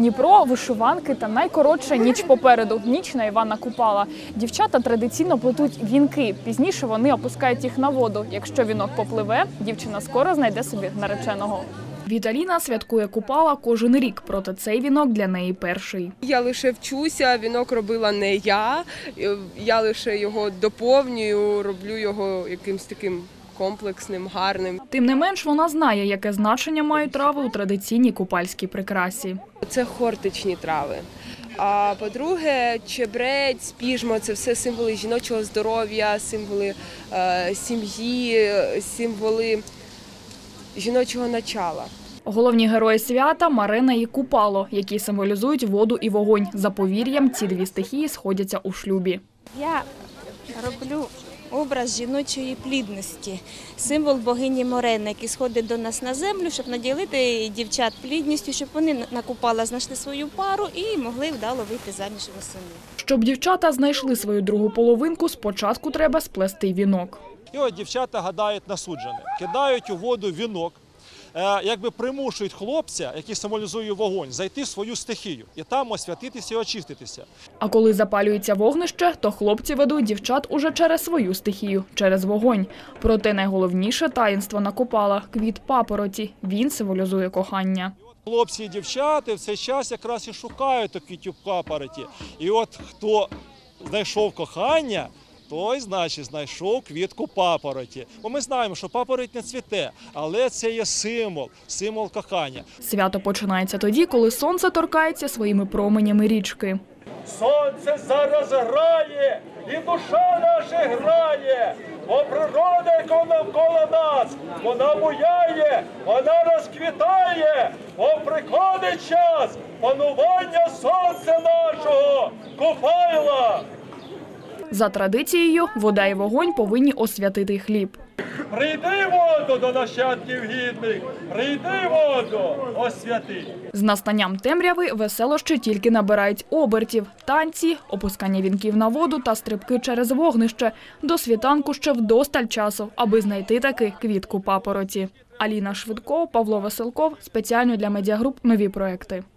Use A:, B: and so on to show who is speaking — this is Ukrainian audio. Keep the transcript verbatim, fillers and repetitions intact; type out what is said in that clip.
A: Дніпро, вишиванки та найкоротша ніч попереду – ніч на Івана Купала. Дівчата традиційно плетуть вінки. Пізніше вони опускають їх на воду. Якщо вінок попливе, дівчина скоро знайде собі нареченого. Віталіна святкує Купала кожен рік, проте цей вінок для неї перший.
B: Я лише вчуся, вінок робила не я, я лише його доповнюю, роблю його якимось таким комплексним, гарним.
A: Тим не менш, вона знає, яке значення мають трави у традиційній купальській прикрасі.
B: Це хортичні трави. А по-друге, чебрець, піжмо – це все символи жіночого здоров'я, символи е, сім'ї, символи жіночого начала.
A: Головні герої свята – Марина і Купало, які символізують воду і вогонь. За повір'ям, ці дві стихії сходяться у шлюбі.
C: Я роблю образ жіночої плідності, символ богині Морени, який сходить до нас на землю, щоб наділити дівчат плідністю, щоб вони на Купала знайшли свою пару і могли вдало вийти заміж восени.
A: Щоб дівчата знайшли свою другу половинку, спочатку треба сплести вінок.
D: І от дівчата гадають на суджене, кидають у воду вінок, якби примушують хлопця, який символізує вогонь, зайти в свою стихію і там освятитися і очиститися.
A: А коли запалюється вогнище, то хлопці ведуть дівчат уже через свою стихію, через вогонь. Проте найголовніше таїнство на Купала – квіт папороті. Він символізує кохання.
D: Хлопці і дівчата в цей час якраз і шукають квітів папороті. І от хто знайшов кохання, той, значить, знайшов квітку папороті. Бо ми знаємо, що папороть не цвіте, але це є символ, символ кохання.
A: Свято починається тоді, коли сонце торкається своїми променями річки.
E: Сонце зараз грає, і душа наша грає, бо природа, яка навколо нас, вона буяє, вона розквітає, бо приходить час панування сонця нашого, Купайла.
A: За традицією, вода і вогонь повинні освятити хліб.
E: Прийди воду до нащадків гідних, прийди воду, освяти.
A: З настанням темряви веселощі тільки набирають обертів. Танці, опускання вінків на воду та стрибки через вогнище. До світанку ще вдосталь часу, аби знайти таки квітку папороті. Аліна Швидко, Павло Веселков. Спеціально для медіагруп «Нові проекти».